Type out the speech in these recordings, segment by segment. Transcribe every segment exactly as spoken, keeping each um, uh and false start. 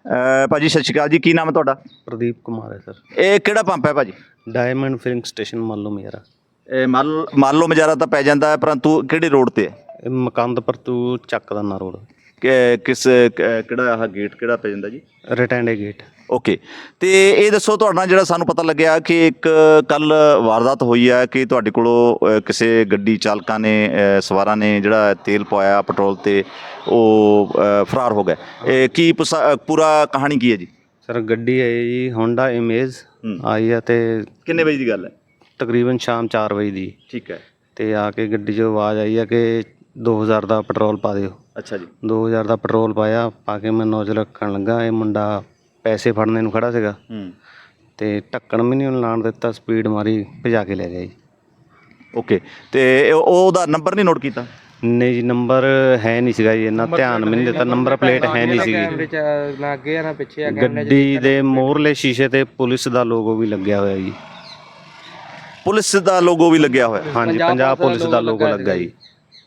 ਅ, ਭਾਜੀ ਸਤਿ ਸ਼੍ਰੀ ਅਕਾਲ ਜੀ, ਕੀ ਨਾਮ ਹੈ ਤੁਹਾਡਾ? ਪ੍ਰਦੀਪ ਕੁਮਾਰ ਹੈ ਸਰ। ਇਹ ਕਿਹੜਾ ਪੰਪ ਹੈ ਭਾਜੀ? ਡਾਇਮੰਡ ਫਿਲਿੰਗ ਸਟੇਸ਼ਨ ਮੰਨ ਲਓ ਮੇਰਾ। ਇਹ ਮੰਨ ਮੰਨ ਲਓ ਮਜਾਰਾ ਤਾਂ ਪੈ ਜਾਂਦਾ ਹੈ, ਪਰੰਤੂ ਕਿਹੜੇ ਰੋਡ ਤੇ ਹੈ? ਇਹ ਮਕੰਦਪੁਰ ਤੋਂ ਚੱਕਦਾਨਾ ਰੋਡ, ਕਿ- ਕਿਸ ਕ- ਕਿਹੜਾ ਆਹ ਗੇਟ ਕਿਹੜਾ ਪੈ ਜਾਂਦਾ ਜੀ? ਰਿਟੈਂਡੇ ਗੇਟ। ਓਕੇ। ਤੇ ਇਹ ਦੱਸੋ, ਤੁਹਾਡੇ ਨਾਲ ਜਿਹੜਾ ਸਾਨੂੰ ਪਤਾ ਲੱਗਿਆ ਕਿ ਇੱਕ ਕੱਲ ਵਾਰਦਾਤ ਹੋਈ ਹੈ ਕਿ ਤੁਹਾਡੇ ਕੋਲੋਂ ਅ, ਕਿਸੇ ਗੱਡੀ ਚਾਲਕਾਂ ਨੇ ਅ, ਸਵਾਰਾਂ ਨੇ ਜਿਹੜਾ ਤੇਲ ਪਵਾਇਆ ਪੈਟਰੋਲ ਤੇ, ਉਹ ਅ, ਫਰਾਰ ਹੋ ਗਏ। ਇਹ ਕੀ ਪੁਸਾ- ਅ, ਪੂਰਾ ਕਹਾਣੀ ਕੀ ਹੈ ਜੀ? ਸਰ ਗੱਡੀ ਹੈ ਜੀ ਹੋਂਡਾ ਇਮੇਜ ਹੂੰ। ਆਈ ਹੈ ਤੇ ਕਿੰਨੇ ਵਜੇ ਦੀ ਗੱਲ ਹੈ? ਤਕਰੀਬਨ ਸ਼ਾਮ ਚਾਰ ਵਜੇ ਦੀ। ਠੀਕ ਹੈ। ਤੇ ਆ ਕੇ ਗੱਡੀ 'ਚੋਂ ਆਵਾਜ਼ ਆਈ ਹੈ ਕਿ ਦੋ ਹਜ਼ਾਰ ਦਾ ਪੈਟਰੋਲ ਪਾ ਦਿਓ। ਅੱਛਾ ਜੀ। ਦੋ ਹਜ਼ਾਰ ਦਾ ਪੈਟਰੋਲ ਪਾਇਆ, ਪਾ ਕੇ ਮੈਂ ਨੋਜ਼ਲ ਰੱਖਣ ਲੱਗਾ, ਇਹ ਮੁੰਡਾ ਪੈਸੇ ਫੜਨੇ ਨੂੰ ਖੜਾ ਸੀਗਾ ਹੂੰ। ਤੇ ਢੱਕਣ ਵੀ ਨਹੀਂ ਉਹਨੂੰ ਲਾਣ ਦਿੱਤਾ, ਸਪੀਡ ਮਾਰੀ, ਭਜਾ ਕੇ ਲੈ ਗਿਆ ਜੀ। ਓਕੇ। ਤੇ ਇਹ- ਉਹਦਾ ਨੰਬਰ ਨਹੀਂ ਨੋਟ ਕੀਤਾ? ਨਹੀਂ ਜੀ, ਨੰਬਰ ਹੈ ਨਹੀਂ ਸੀਗਾ ਜੀ, ਇੰਨਾ ਧਿਆਨ ਵੀ ਨਹੀਂ ਦਿੱਤਾ, ਨੰਬਰ ਪਲੇਟ ਹੈ ਨਹੀਂ ਸੀਗੀ। ਨਾ ਅੱਗੇ ਆ ਨਾ ਪਿੱਛੇ ਆ। ਗੱਡੀ ਦੇ ਮੋਹਰਲੇ ਸ਼ੀਸ਼ੇ ਤੇ ਪੁਲਿਸ ਦਾ ਲੋਗੋ ਵੀ ਲੱਗਿਆ ਹੋਇਆ ਜੀ। ਪੁਲਿਸ ਦਾ ਲੋਗੋ ਵੀ ਲੱਗਿਆ ਹੋਇਆ? ਹਾਂਜੀ, ਪੰਜਾਬ ਪੁਲਿਸ ਦਾ ਲੋਗੋ ਲੱਗਾ ਜੀ।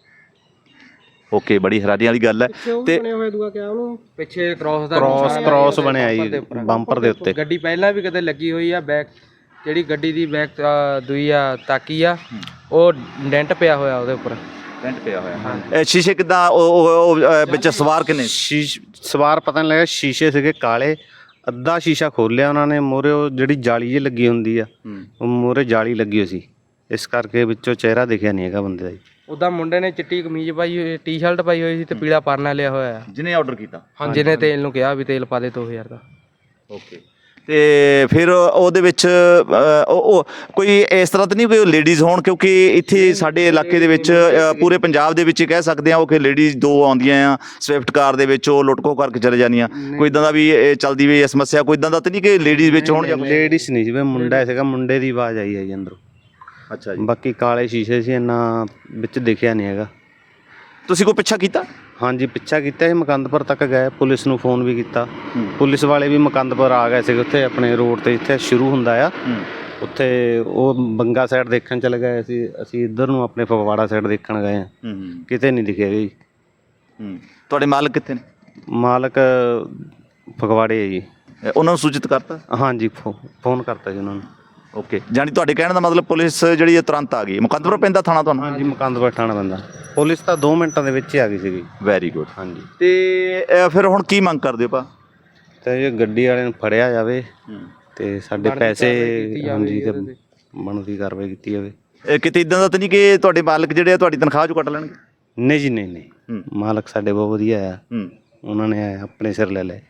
ਓਕੇ, ਬੜੀ ਹੈਰਾਨੀ ਵਾਲੀ ਗੱਲ ਹੈ। ਤੇ ਪਿੱਛੇ ਕ੍ਰਾਸ ਦਾ ਕ੍ਰਾਸ ਕ੍ਰਾਸ ਬਣਿਆ ਜੀ ਬੰਪਰ ਦੇ ਉੱਤੇ। ਗੱਡੀ ਪਹਿਲਾਂ ਵੀ ਕਦੇ ਲੱਗੀ ਹੋਈ ਆ, ਬੈਕ ਜਿਹੜੀ ਗੱਡੀ ਦੀ ਬੈਕ ਦੂਈ ਆ ਤਾਕੀ ਆ, ਉਹ ਡੈਂਟ ਪਿਆ ਹੋਇਆ ਉਹਦੇ ਉੱਪਰ। ਡੈਂਟ ਪਿਆ ਹੋਇਆ। ਇਹ ਸ਼ੀਸ਼ੇ ਕਿੱਦਾਂ? ਉਹ ਉਹ- ਉਹ, ਅ, ਵਿੱਚ ਸਵਾਰ ਕਿੰਨੇ? ਸ਼ੀਸ਼ ਸਵਾਰ ਪਤਾ ਨਹੀਂ ਲੱਗਾ, ਸ਼ੀਸ਼ੇ ਸੀਗੇ ਕਾਲੇ। ਅੱਧਾ ਸ਼ੀਸ਼ਾ ਖੋਲਿਆ ਉਹਨਾਂ ਨੇ, ਮੂਹਰੇ ਉਹ ਜਿਹੜੀ ਜਾਲੀ ਜਿਹੀ ਲੱਗੀ ਹੁੰਦੀ ਆ, ਉਹ ਮੂਹਰੇ ਜਾਲੀ ਲੱਗੀ ਹੋਈ ਸੀ, ਇਸ ਕਰਕੇ ਵਿੱਚੋਂ ਚਿਹਰਾ ਦਿਖਿਆ ਨਹੀਂ ਹੈਗਾ ਬੰਦੇ ਦਾ ਜੀ। ਉਹਦਾ ਮੁੰਡੇ ਨੇ ਚਿੱਟੀ ਕਮੀਜ਼ ਪਾਈ ਹੋਈ, ਟੀ-ਸ਼ਰਟ ਪਾਈ ਹੋਈ ਸੀ ਤੇ ਪੀਲਾ ਪਰਨਾ ਲਿਆ ਹੋਇਆ ਆ, ਜਿਹਨੇ ਆਰਡਰ ਕੀਤਾ। ਹਾਂ, ਜਿਹਨੇ ਤੇਲ ਨੂੰ ਕਿਹਾ ਵੀ ਤੇਲ ਪਾ ਦੇ ਦੋ ਹਜ਼ਾਰ ਦਾ। ਓਕੇ। ਤੇ ਫਿਰ ਉਹਦੇ ਵਿੱਚ ਅ, ਉਹ ਉਹ ਕੋਈ ਇਸ ਤਰ੍ਹਾਂ ਤਾਂ ਨਹੀਂ ਕੋਈ ਲੇਡੀਜ਼ ਹੋਣ? ਕਿਉਂਕਿ ਇੱਥੇ ਸਾਡੇ ਇਲਾਕੇ ਦੇ ਵਿੱਚ, ਅ, ਪੂਰੇ ਪੰਜਾਬ ਦੇ ਵਿੱਚ ਹੀ ਕਹਿ ਸਕਦੇ ਆ, ਉਹ ਕਿ ਲੇਡੀਜ਼ ਦੋ ਆਉਂਦੀਆਂ ਆ ਸਵਿਫਟ ਕਾਰ ਦੇ ਵਿੱਚ, ਉਹ ਲੁੱਟ ਖੋਹ ਕਰਕੇ ਚਲੇ ਜਾਂਦੀਆਂ। ਕੋਈ ਇਦਾਂ ਦਾ ਵੀ ਇਹ ਚੱਲਦੀ ਵੀ ਇਹ ਸਮੱਸਿਆ? ਕੋਈ ਇਦਾਂ ਦਾ ਤਾਂ ਨਹੀਂ ਕਿ ਲੇਡੀਜ਼ ਵਿੱਚ ਹੋਣ ਜਾਂ? ਲੇਡੀਜ਼ ਨਹੀਂ ਸੀ, ਵੀ ਮੁੰਡਾ ਸੀਗਾ, ਮੁੰਡੇ ਦੀ ਆਵਾਜ਼ ਆਈ ਹੈ ਜੀ ਅੰਦਰੋਂ। ਅੱਛਾ ਜੀ। ਬਾਕੀ ਕਾਲੇ ਸ਼ੀਸ਼ੇ ਸੀ, ਇੰਨਾ ਵਿੱਚ ਦਿਖਿਆ ਨਹੀਂ ਹੈਗਾ। ਤੁਸੀਂ ਕੋਈ ਪਿੱਛਾ ਕੀਤਾ? ਹਾਂਜੀ, ਪਿੱਛਾ ਕੀਤਾ ਸੀ, ਮਕੰਦਪੁਰ ਤੱਕ ਗਏ, ਪੁਲਿਸ ਨੂੰ ਫੋਨ ਵੀ ਕੀਤਾ। ਪੁਲਿਸ ਵਾਲੇ ਵੀ ਮਕੰਦਪੁਰ ਆ ਗਏ ਸੀਗੇ, ਉੱਥੇ ਆਪਣੇ ਰੋਡ ਤੇ ਜਿੱਥੇ ਸ਼ੁਰੂ ਹੁੰਦਾ ਆ, ਉੱਥੇ ਉਹ ਬੰਗਾ ਸਾਈਡ ਦੇਖਣ ਚਲੇ ਗਏ ਸੀ, ਅਸੀਂ ਇੱਧਰ ਨੂੰ ਆਪਣੇ ਫਗਵਾੜਾ ਸਾਈਡ ਦੇਖਣ ਗਏ ਆ, ਕਿਤੇ ਨਹੀਂ ਦਿਖਿਆ ਜੀ। ਤੁਹਾਡੇ ਮਾਲਕ ਕਿੱਥੇ ਨੇ? ਮਾਲਕ ਫਗਵਾੜੇ ਹੈ ਜੀ। ਉਹਨਾਂ ਨੂੰ ਸੂਚਿਤ ਕਰਤਾ? ਹਾਂਜੀ, ਫੋ ਫੋਨ ਕਰਤਾ ਜੀ ਉਹਨਾਂ ਨੂੰ। ਓਕੇ, ਜਾਣੀ ਤੁਹਾਡੇ ਕਹਿਣ ਦਾ ਮਤਲਬ ਪੁਲਿਸ ਜਿਹੜੀ ਹੈ ਤੁਰੰਤ ਆ ਗਈ। ਮੁਕੰਦਪੁਰ ਪੈਂਦਾ ਥਾਣਾ ਤੁਹਾਨੂੰ? ਹਾਂਜੀ, ਮਕੰਦਪੁਰ ਥਾਣਾ ਪੈਂਦਾ। ਪੁਲਿਸ ਤਾਂ ਦੋ ਮਿੰਟਾਂ ਦੇ ਵਿੱਚ ਹੀ ਆ ਗਈ ਸੀਗੀ। Very good. ਹਾਂਜੀ। ਤੇ ਅ, ਫਿਰ ਹੁਣ ਕੀ ਮੰਗ ਕਰਦੇ ਹੋ ਭਾ? ਤੇ ਇਹ ਗੱਡੀ ਵਾਲੇ ਨੂੰ ਫੜਿਆ ਜਾਵੇ ਤੇ ਸਾਡੇ ਪੈਸੇ, ਹਾਂਜੀ, ਤੇ ਬਣਦੀ ਕਾਰਵਾਈ ਕੀਤੀ ਜਾਵੇ। ਇਹ ਕਿਤੇ ਇਦਾਂ ਦਾ ਤਾਂ ਨਹੀਂ ਕਿ ਤੁਹਾਡੇ ਮਾਲਕ ਜਿਹੜੇ ਆ ਤੁਹਾਡੀ ਤਨਖਾਹ ਚੋਂ ਕੱਟ ਲੈਣਗੇ? ਨਹੀਂ ਜੀ, ਨਹੀਂ ਨਹੀਂ, ਮਾਲਕ ਸਾਡੇ ਬਹੁਤ ਵਧੀਆ ਆ, ਉਹਨਾਂ ਨੇ ਆਪਣੇ ਸਿਰ ਲੈ ਲਏ।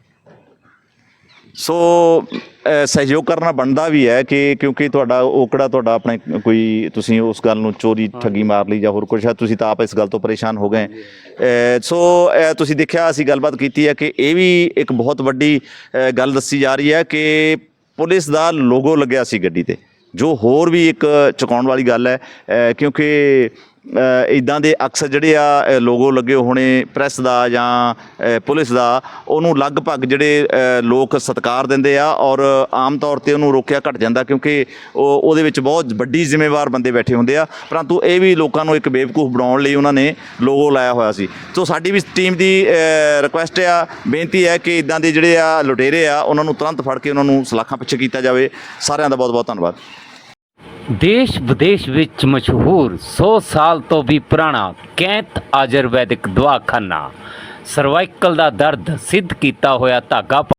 ਸੋ ਅ, ਸਹਿਯੋਗ ਕਰਨਾ ਬਣਦਾ ਵੀ ਹੈ ਕਿ ਕਿਉਂਕਿ ਤੁਹਾਡਾ ਉਹ ਕਿਹੜਾ ਤੁਹਾਡਾ ਆਪਣੇ ਕੋਈ, ਤੁਸੀਂ ਉਸ ਗੱਲ ਨੂੰ ਚੋਰੀ ਠੱਗੀ ਮਾਰ ਲਈ ਜਾਂ ਹੋਰ ਕੁਛ ਹੈ, ਤੁਸੀਂ ਤਾਂ ਆਪ ਇਸ ਗੱਲ ਤੋਂ ਪਰੇਸ਼ਾਨ ਹੋ ਗਏ। ਅ, ਸੋ ਅ, ਤੁਸੀਂ ਦੇਖਿਆ, ਅਸੀਂ ਗੱਲਬਾਤ ਕੀਤੀ ਹੈ ਕਿ ਇਹ ਵੀ ਇੱਕ ਬਹੁਤ ਵੱਡੀ ਅ, ਗੱਲ ਦੱਸੀ ਜਾ ਰਹੀ ਹੈ ਕਿ ਪੁਲਿਸ ਦਾ ਲੋਗੋ ਲੱਗਿਆ ਸੀ ਗੱਡੀ ਤੇ, ਜੋ ਹੋਰ ਵੀ ਇੱਕ ਚੁਕਾਉਣ ਵਾਲੀ ਗੱਲ ਹੈ। ਅ, ਕਿਉਂਕਿ ਇੱਦਾਂ ਦੇ ਅਕਸਰ ਜਿਹੜੇ ਆ ਲੋਗੋ ਲੱਗੇ ਹੋਣੇ ਪ੍ਰੈਸ ਦਾ ਜਾਂ ਅ, ਪੁਲਿਸ ਦਾ, ਉਹਨੂੰ ਲਗਭਗ ਜਿਹੜੇ ਅ, ਲੋਕ ਸਤਿਕਾਰ ਦਿੰਦੇ ਆ, ਔਰ ਆਮ ਤੌਰ 'ਤੇ ਉਹਨੂੰ ਰੋਕਿਆ ਘਟ ਜਾਂਦਾ ਕਿਉਂਕਿ ਉਹ ਉਹਦੇ ਵਿੱਚ ਬਹੁਤ ਵੱਡੀ ਜ਼ਿੰਮੇਵਾਰ ਬੰਦੇ ਬੈਠੇ ਹੁੰਦੇ ਆ। ਪਰੰਤੂ ਇਹ ਵੀ ਲੋਕਾਂ ਨੂੰ ਇੱਕ ਬੇਵਕੂਫ ਬਣਾਉਣ ਲਈ ਉਹਨਾਂ ਨੇ ਲੋਗੋ ਲਾਇਆ ਹੋਇਆ ਸੀ। ਸੋ ਸਾਡੀ ਵੀ ਟੀਮ ਦੀ ਰਿਕੁਐਸਟ ਆ, ਬੇਨਤੀ ਹੈ ਕਿ ਇੱਦਾਂ ਦੇ ਜਿਹੜੇ ਆ ਲੁਟੇਰੇ ਆ, ਉਹਨਾਂ ਨੂੰ ਤੁਰੰਤ ਫੜ ਕੇ ਉਹਨਾਂ ਨੂੰ ਸਲਾਖਾਂ ਪਿੱਛੇ ਕੀਤਾ ਜਾਵੇ। ਸਾਰਿਆਂ ਦਾ ਬਹੁਤ ਬਹੁਤ ਧੰਨਵਾਦ। ਦੇਸ਼ ਵਿਦੇਸ਼ ਵਿੱਚ ਮਸ਼ਹੂਰ ਸੌ ਸਾਲ ਤੋਂ ਵੀ ਪੁਰਾਣਾ ਕੈਂਤ ਆਯੁਰਵੈਦਿਕ ਦਵਾਖਾਨਾ, ਸਰਵਾਈਕਲ ਦਾ ਦਰਦ ਸਿੱਧ ਕੀਤਾ ਹੋਇਆ ਧਾਗਾ